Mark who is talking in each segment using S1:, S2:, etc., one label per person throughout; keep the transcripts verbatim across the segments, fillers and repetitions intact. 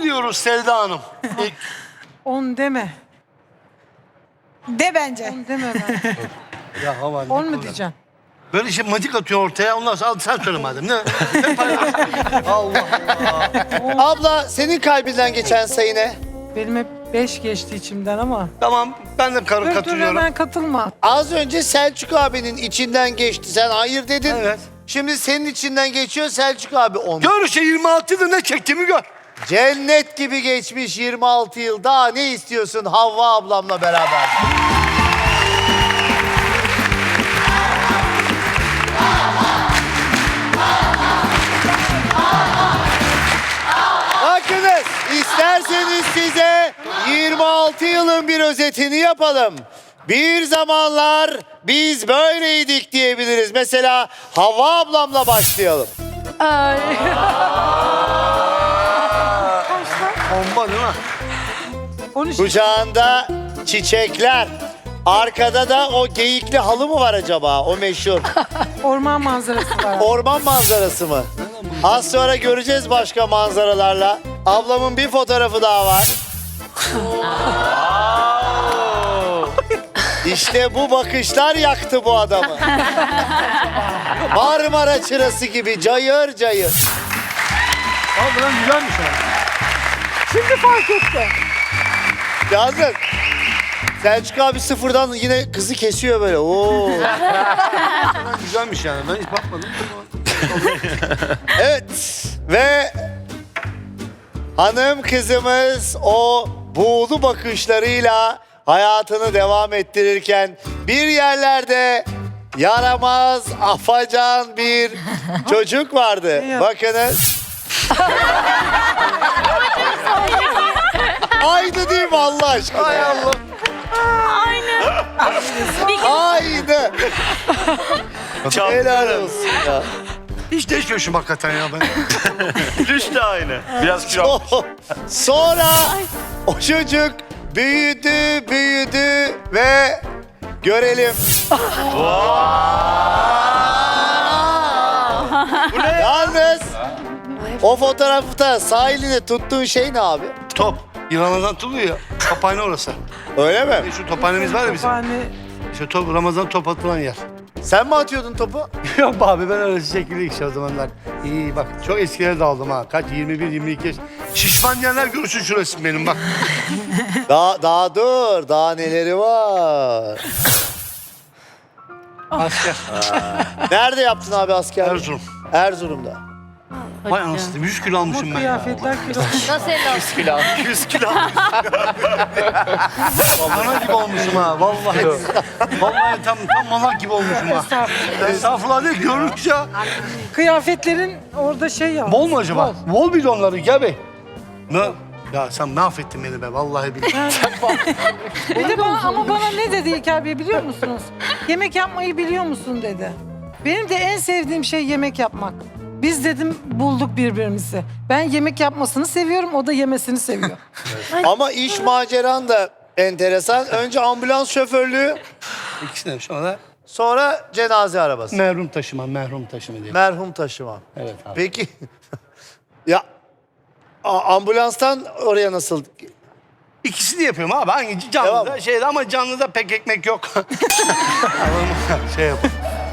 S1: on diyoruz Selda Hanım. İlk...
S2: On deme.
S3: De bence.
S2: On deme ben.
S1: Ya hava.
S2: On mu diyeceğim?
S1: Böyle şey matik atıyor ortaya. Ondan sonra al sen söyle madem. Ne? Ne paylaşıyorsun? Allah Allah.
S4: Abla senin kalbinden geçen sayı ne?
S2: Benim hep beş geçti içimden ama.
S1: Tamam ben de karı
S2: Dur dur
S1: katılıyorum.
S2: hemen katılma.
S4: Az önce Selçuk abinin içinden geçti. Sen hayır dedin.
S1: Evet.
S4: Şimdi senin içinden geçiyor Selçuk abi on.
S1: Gör işte yirmi altıda ne çektiğimi gör.
S4: Cennet gibi geçmiş yirmi altı yıl. Daha ne istiyorsun Havva ablamla beraber? Bakınız, isterseniz size yirmi altı yılın bir özetini yapalım. Bir zamanlar biz böyleydik diyebiliriz. Mesela Havva ablamla başlayalım.
S2: Ay.
S1: Bomba değil mi?
S2: on üç.
S4: Kucağında çiçekler. Arkada da o geyikli halı mı var acaba? O meşhur.
S2: Orman manzarası var.
S4: Orman manzarası mı? Az sonra göreceğiz başka manzaralarla. Ablamın bir fotoğrafı daha var. İşte bu bakışlar yaktı bu adamı. Marmara çırası gibi cayır cayır.
S1: Abi lan güzelmiş ha.
S2: Şimdi fark etti.
S4: Yalnız Selçuk abi sıfırdan yine kızı kesiyor böyle. Oo.
S1: Lan güzelmiş yani. Ben hiç bakmadım.
S4: Evet ve hanım kızımız o buğulu bakışlarıyla hayatını devam ettirirken bir yerlerde yaramaz, afacan bir çocuk vardı. Bakınız. Aynı değil mi Allah aşkına?
S1: Hay Allah.
S4: Aynı. Helal olsun ya.
S1: Hiç değişmiyorsun hakikaten ya ben.
S5: Düş de aynı. Biraz kilo.
S4: Sonra o çocuk büyüdü, büyüdü ve görelim. Yalnız o fotoğrafta sahilinde tuttuğun şey ne abi?
S1: Top. Ramazan tutuluyor ya. Tophane orası.
S4: Öyle mi?
S1: Şu tophanemiz var ya bizim.
S2: Yani
S1: İşte top, Ramazan top atılan yer.
S4: Sen mi atıyordun topu?
S1: Yok be abi ben öyle şekilde işte o zamanlar. İyi bak çok eskilere daldım ha. Kaç yirmi bir yirmi iki yaş. Şişman yerler görsün şurası benim bak.
S4: Daha, daha dur. Daha neleri var?
S1: Asker.
S4: Nerede yaptın abi askerlik?
S1: Erzurum.
S4: Erzurum'da.
S1: Vay anasını yüz kilo
S2: bu
S1: almışım ben ya.
S2: kıyafetler kilo.
S3: Nasıl elli olsun?
S1: yüz kilo Ana gibi olmuşum ha vallahi. Vallahi tam tam malak gibi olmuşum ha.
S2: Estağfurullah.
S1: Estağfurullah değil görünüş ya.
S2: Kıyafetlerin orada şey ya.
S1: Bol mu acaba? Bol bir de onları gel bey. Ne? Ya sen mahvettin beni be vallahi billahi.
S2: Bir de bana, ama bana ne dedi İlker Bey biliyor musunuz? Yemek yapmayı biliyor musun dedi. Benim de en sevdiğim şey yemek yapmak. Biz dedim bulduk birbirimizi. Ben yemek yapmasını seviyorum, o da yemesini seviyor.
S4: Ama iş maceran da enteresan. Önce ambulans şoförlüğü,
S1: İkisinden sonra
S4: sonra cenaze arabası.
S1: merhum taşıma, merhum taşıma diye.
S4: Merhum taşıma.
S1: Evet abi.
S4: Peki ya a- ambulanstan oraya nasıl?
S1: İkisini yapıyorum abi. Hangi canlıda
S4: Devam.
S1: şeyde ama canlıda pek ekmek yok. şey yap.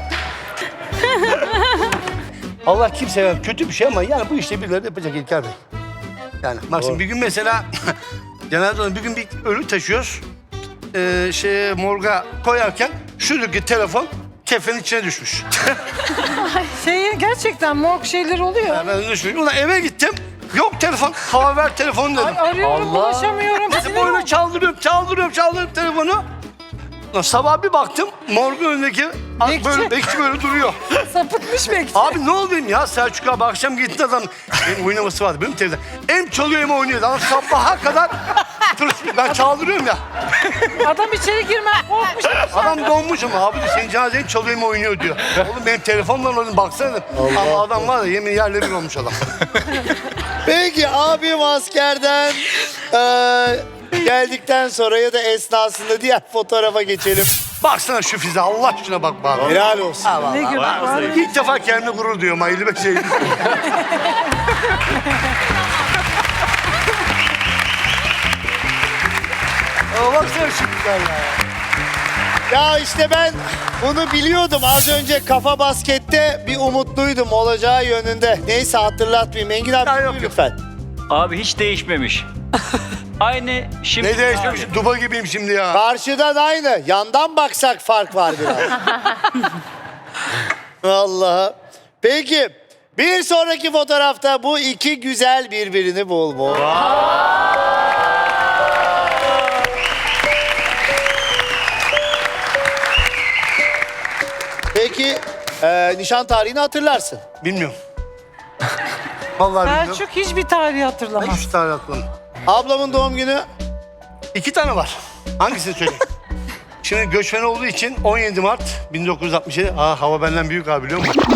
S1: Allah kimseye kötü bir şey ama yani bu işte birileri yapacak İlker Bey. Yani bak şimdi bir gün mesela genelde bir gün bir ölü taşıyoruz. Ee, şey morga koyarken şuradaki telefon kefenin içine düşmüş.
S2: Şey gerçekten morg şeyler oluyor.
S1: Ben düşmüş. Ulan eve gittim. Yok telefon. Hava ver telefonu dedim.
S2: Ay, arıyorum, ulaşamıyorum.
S1: Hep
S2: Sinir
S1: böyle çaldırıyorum, çaldırıyorum, çaldırıyorum telefonu. Lan sabah bir baktım, morgun önündeki
S2: Bekçi.
S1: böyle bekçi böyle duruyor.
S2: sapıtmış bekçi.
S1: Abi ne oldu ya Selçuk abi akşam gitti adam. Benim oynaması vardı benim televizyon. Hem çalıyor hem oynuyor. Adam sabaha kadar ben çaldırıyorum ya.
S2: Adam içeri girme korkmuş.
S1: Adam donmuş ama abi de senin cenazen çalıyor hem oynuyor diyor. Oğlum benim telefonla oynadım baksana. Ama adam var ya yemin yerle bir olmuş adam.
S4: Peki abim askerden eee, geldikten sonra ya da esnasında diğer fotoğrafa geçelim.
S1: Baksana şu fize Allah aşkına bak bari.
S4: Helal olsun.
S2: Ne gibi var?
S1: İlk defa kendime gurur duyuyorum. elli beş şey. Baksana şu güzelliğe.
S4: Ya işte ben bunu biliyordum. Az önce kafa baskette bir umutluydum olacağı yönünde. Neyse hatırlatmayayım. Engin abi
S1: Ya
S4: buyur
S1: yok, yok.
S4: lütfen.
S6: Abi hiç değişmemiş. Aynı şimdi.
S1: Ne değişmemiş? Duba gibiyim şimdi ya.
S4: Karşıdan aynı. Yandan baksak fark var biraz. Vallahi. Peki bir sonraki fotoğrafta bu iki güzel birbirini bulmuş. Peki e, nişan tarihini hatırlarsın.
S1: Bilmiyorum. Vallahi bilmiyorum.
S2: Selçuk hiçbir tarihi
S1: Ben
S2: hatırlamaz.
S1: üç tane aklım.
S4: Ablamın doğum günü
S1: İki tane var. Hangisini söyleyeyim? Şimdi göçmen olduğu için on yedi Mart bin dokuz yüz altmış yedi. Aa hava benden büyük abi biliyor musun?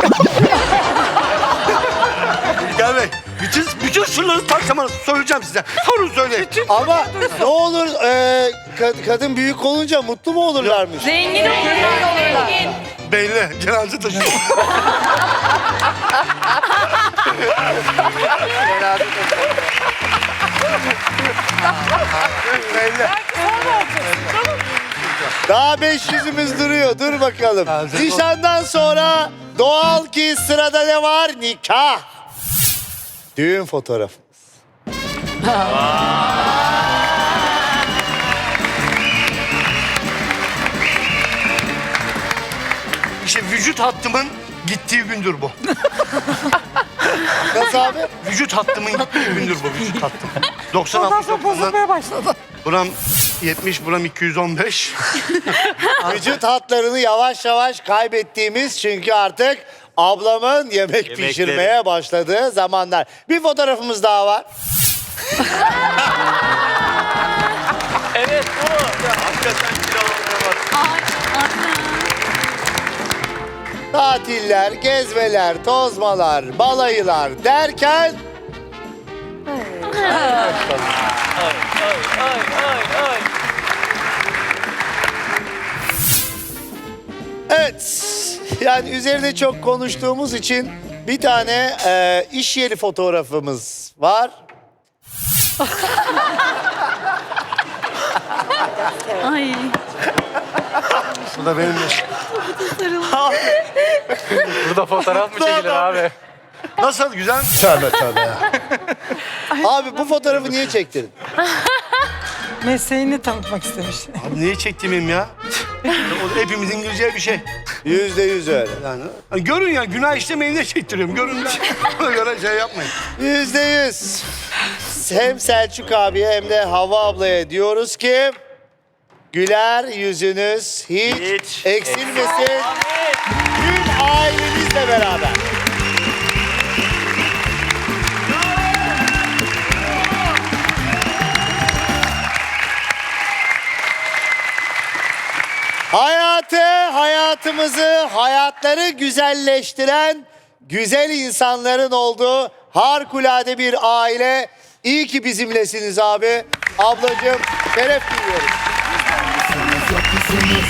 S1: Gel Bey. Bütün, bütün sırları tak zaman söyleyeceğim size. Sorun söyleyin.
S4: ama ne olur e, kad- kadın büyük olunca mutlu mu olurlarmış?
S3: Zengin olurlar. Zengin.
S1: Belli. Cenaze taşıyor. Belli.
S4: Daha beş yüzümüz duruyor. Dur bakalım.
S1: Hazır ol.
S4: Nişandan sonra doğal ki sırada ne var? Nikah. Düğün fotoğrafı.
S1: İşte vücut hattımın gittiği gündür bu.
S4: Nasıl abi?
S1: Vücut hattımın gittiği gündür bu vücut hattım. doksan
S2: Ondan
S1: altmış
S2: sonra
S1: doksandan
S2: bozulmaya başladı.
S1: buram yetmiş, buram iki yüz on beş.
S4: Vücut hatlarını yavaş yavaş kaybettiğimiz çünkü artık ablamın yemek
S5: Yemekleri.
S4: pişirmeye başladığı zamanlar. Bir fotoğrafımız daha var.
S6: Evet bu.
S5: Hakikaten kilo almaya bak.
S4: Tatiller, gezmeler, tozmalar, balayılar derken
S6: Ay ay ay ay.
S4: evet, yani üzerine çok konuştuğumuz için bir tane e, iş yeri fotoğrafımız var.
S3: Ay.
S1: Bu da benim.
S6: Burada fotoğraf mı çekilir abi?
S1: Nasıl? Güzel mi? Tövbe tövbe ya.
S4: Abi bu fotoğrafı niye çektirdin?
S2: Mesleğini tanıtmak istemiş.
S1: Abi niye çektiğimim ya? O da hepimizin gireceği bir şey.
S4: Yüzde yüz öyle.
S1: Yani hani görün ya günah işlemeyin diye çektiriyorum. Görün de ona göre şey yapmayın.
S4: Yüzde yüz. Hem Selçuk abiye hem de Havva ablaya diyoruz ki güler yüzünüz hiç,
S5: Hiç
S4: eksilmesin. Tüm ailemizle beraber. Hayatı, hayatımızı, hayatları güzelleştiren güzel insanların olduğu harikulade bir aile. İyi ki bizimlesiniz abi. Ablacığım şeref duyuyoruz.